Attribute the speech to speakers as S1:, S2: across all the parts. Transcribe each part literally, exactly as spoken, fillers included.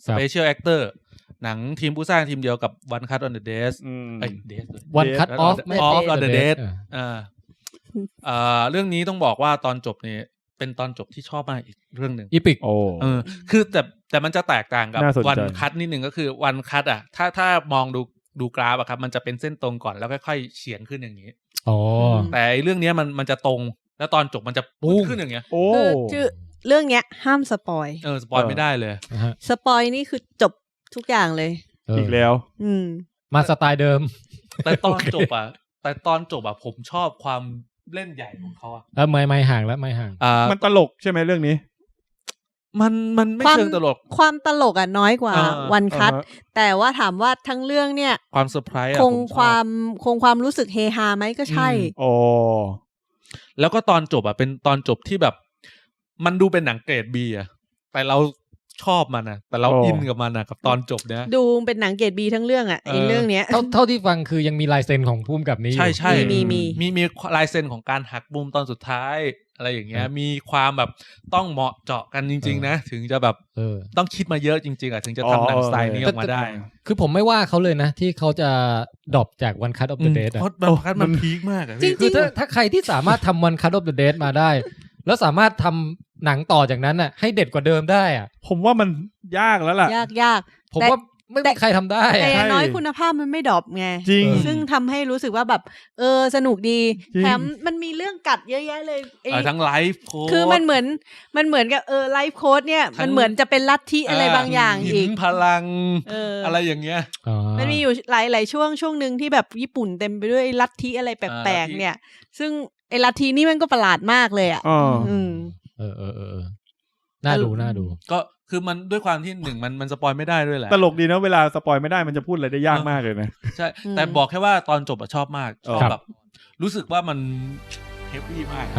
S1: Special Actor หนังทีมผู้สร้างทีมเดียวกับ One Cut on the Dead ไอ้ Dead
S2: One Cut Off
S1: Off on the Dead อ่าอ่าเรื่องนี้ต้องบอกว่าตอนจบนี่เป็นตอนจบที่ชอบมากอีกเรื่องนึง
S2: อีพิก
S3: โอ้
S1: เออคือแต่แต่มันจะแตกต่างกับ One
S3: คั
S1: Cut นิดนึงก็คือ One Cut อ่ะถ้าถ้ามองดูดูกราฟอะครับมันจะเป็นเส้นตรงก่อนแล้วค่อยๆเฉียงขึ้นอย่างนี้
S2: อ๋อ
S1: แต่เรื่องนี้มันมันจะตรงแล้วตอนจบมันจะปุ๊บขึ้นอย่างเงี้ย
S3: โอ้
S4: คือเรื่องเนี้ยห้ามสปอย
S1: เออสปอยไม่ได้เลย
S4: สปอยนี่คือจบทุกอย่างเลย
S3: อีกแล้ว
S4: อืม
S2: มาสไตล์เดิม
S1: แต่ตอนจบอ่ะแต่ตอนจบอ่ะผมชอบความเล่นใหญ่ของเขาอ่ะ
S2: เออไม่ไม่ห่างแล้วไม่ห่าง
S1: อ่า
S3: มันตลกใช่ไหมเรื่องนี้
S1: มันมันไม่เชิงตลก
S4: ความตลกอ่ะน้อยกว่าวันคัทแต่ว่าถามว่าทั้งเรื่องเนี่ย
S1: ความเซอร์ไพรส์
S4: คงความคงความรู้สึกเฮฮาไหมก็ใช่
S3: โอ้
S1: แล้วก็ตอนจบอ่ะเป็นตอนจบที่แบบมันดูเป็นหนังเกรด B อ่ะแต่เราชอบมันนะแต่เราอินกับมันนะกับตอนจบเนี้ย
S4: ดูเป็นหนังเกรด B ทั้งเรื่องอ่ะไอ้เรื่องเนี้ย
S2: เท่าเท่าที่ฟังคือยังมีลายเซ็นของพุ่มกับนี้
S1: ใช่ใช่
S4: มีมี
S1: มีมีลายเซ็นของการหักมุมตอนสุดท้ายอะไรอย่างเงี้ยมีความแบบต้องเหมาะเจาะกันจริงๆนะถึงจะแบบต้องคิดมาเยอะจริงๆอ่ะถึงจะทำหนังสไตล์นี้ออกมาได้
S2: คือผมไม่ว่าเขาเลยนะที่เขาจะดรอปจาก One Cut of the Dead
S1: เพราะ One Cut มันพีคมากอ่ะ
S2: คือถ้าถ้าใครที่สามารถทำ One Cut of the Dead มาได้แล้วสามารถทำหนังต่อจากนั้นน่ะให้เด็ดกว่าเดิมได้อ่ะ
S3: ผมว่ามันยากแล้วล่ะ
S4: ยากยาก
S2: ผมว่าไม่มีใครทำได้
S4: แต่อย่างน้อยคุณภาพมันไม่ดรอปไง
S3: จริง
S4: ซึ่งทำให้รู้สึกว่าแบบเออสนุกดีแถมมันมีเรื่องกัดเยอะแยะเลย
S1: ทั้งไลฟ์โค้ด
S4: คือมันเหมือนมันเหมือนกับเออไลฟ์โค้ดเนี่ยมันเหมือนจะเป็นลัทธิอะไรบางอย่างอีก
S1: พลังอะไรอย่างเงี้ย
S4: มันมีอยู่หลายหลายช่วงช่วงนึงที่แบบญี่ปุ่นเต็มไปด้วยลัทธิอะไรแปลกๆเนี่ยซึ่งไอ้ลัทธินี่มันก็ประหลาดมากเลยอ่ะ
S2: อืมเออเออเออน่าดูน่าดู
S1: ก็คือมันด้วยความที่หนึ่งมันมันสปอยไม่ได้ด้วยแหละ
S3: ตลกดีนะเวลาสปอยไม่ได้มันจะพูดอะไรได้ยากมากเลยนะ
S1: ใช่แต่บอกแค่ว่าตอนจบอะชอบมากชอบแบบรู้สึกว่ามันเฮฟวี่มาก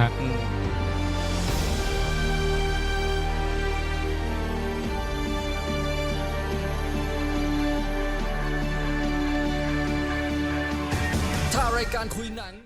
S5: ถ้ารายการคุยหนัง